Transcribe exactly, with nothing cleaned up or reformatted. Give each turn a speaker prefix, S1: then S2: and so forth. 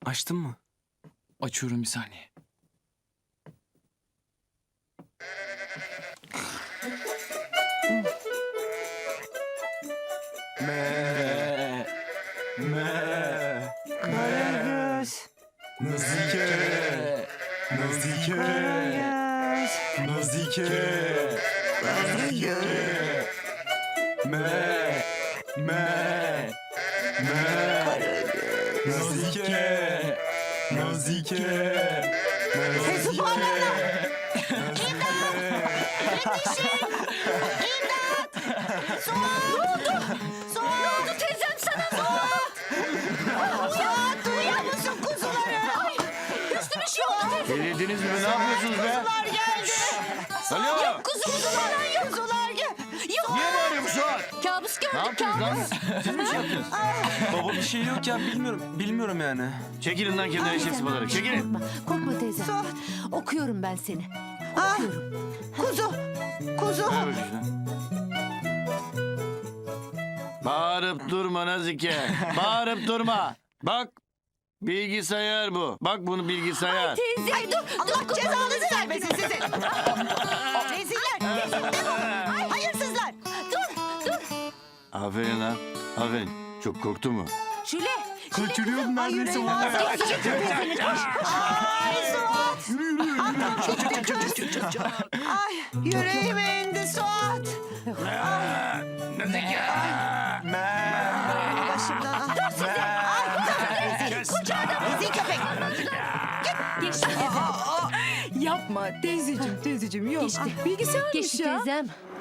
S1: Açtın mı?
S2: Açıyorum bir saniye.
S1: Me. Me.
S3: Karagöz.
S1: Nazike. Nazike.
S3: Karagöz.
S1: Nazike. Nazike. Me. Me. Me. Nazike. Nazike.
S3: Hey, subhanallah.
S4: Ne oldu teyzem sana? Suat! Suat duyuyor musun kuzuları? Ay, Hüsnü bir şey oldu teyze.
S5: Delirdiniz mi? Ne yapıyorsunuz be?
S4: Kuzular geldi.
S5: Alo.
S4: Yok kuzu kuzular yok. Kuzular gel. Yok.
S5: Niye bağırıyorsun şu an?
S4: Kabus
S5: Ne
S4: gördük
S5: yaptınız lan?
S4: kabus.
S5: Siz mi şey yaptınız?
S1: Baba bir şey yok ya bilmiyorum. Bilmiyorum yani.
S5: Çekilin lan kendine eşek sıpaları. Çekilin.
S4: Korkma, korkma teyze. Okuyorum ben seni.
S3: Ay, kuzu. Kuzu.
S5: Ver bakayım şunu. Bağırıp durma Nazike. Bağırıp durma. Bak. Bilgisayar bu. Bak bunu bilgisayar.
S4: Teyze ay, dur.
S3: Allah cezanızı vermesin sizin. Reziller. Reziller. Ay, hayırsızlar.
S4: Dur dur.
S5: Aferin lan. Aferin. Çok korktu mu?
S4: Şule.
S1: Kaçırıyordum
S3: Ay,
S1: neredeyse
S3: yüreğim
S1: vallahi.
S3: Ay Suat. Aklım gitti kız. Ay yüreğime indi Suat.
S5: Nazike.
S3: Başımdan. Dur size. Ay rezil. Rezil köpek.
S4: Geçti.
S6: Yapma teyzeciğim teyzeciğim yok.
S4: Geçti.
S6: Bilgisayarmış
S4: Geçti
S6: ya.
S4: teyzem.